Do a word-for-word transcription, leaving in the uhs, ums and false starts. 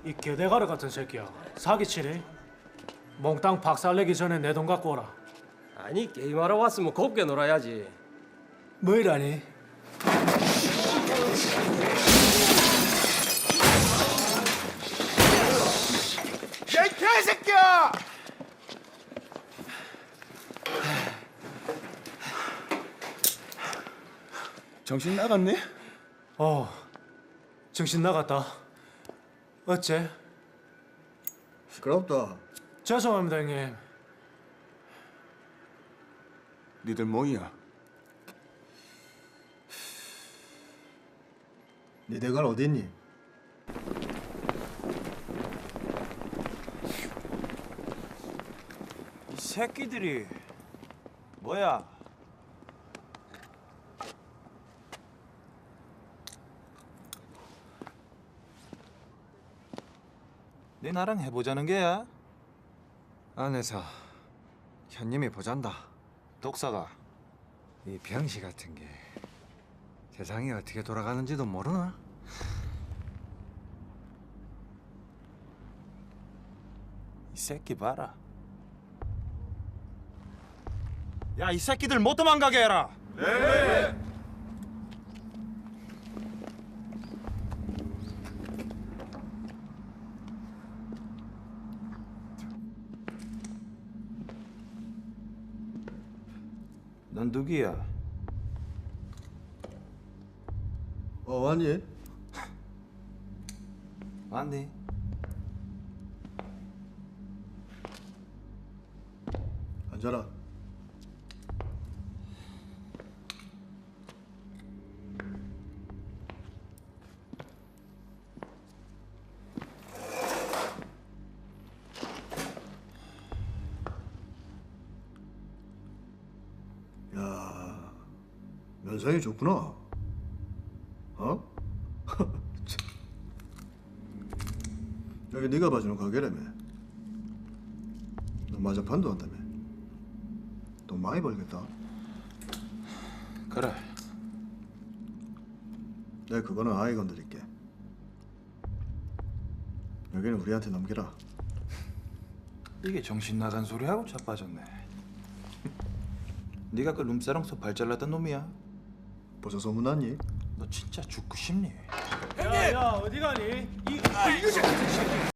이 개대가리 같은 새끼야. 사기치니? 몽땅 박살내기 전에 내 돈 갖고 오라. 아니 게임하러 왔으면 곱게 놀아야지. 뭐이라니? 야, 이 개새끼야! 정신 나갔네? 어, 정신 나갔다. 어째? 시끄럽다. 죄송합니다, 형님. 니들 뭐이야? 니 대갈 어디 있니? 이 새끼들이 뭐야? 네 나랑 해보자는 게야? 안에서 현님이 보잔다. 독사가 이 병시 같은 게 세상이 어떻게 돌아가는지도 모르나? 이 새끼 봐라. 야, 이 새끼들 못 도망가게 해라. 넌 누구야? 어, 왔니? 왔니? 앉아라. 야, 면상이 좋구나. 어? 참. 여기 네가 봐주는 가게라며. 너 마자판도 한다며. 돈 많이 벌겠다. 그래. 내가 그거는 아이 건드릴게. 여기는 우리한테 넘기라. 이게 정신 나간 소리하고 자빠졌네. 네가 그 룸사롱서 발잘랐던 놈이야? 벌써 소문났니? 너 진짜 죽고 싶니? 야, 야, 어디 가니? 이, 아, 이거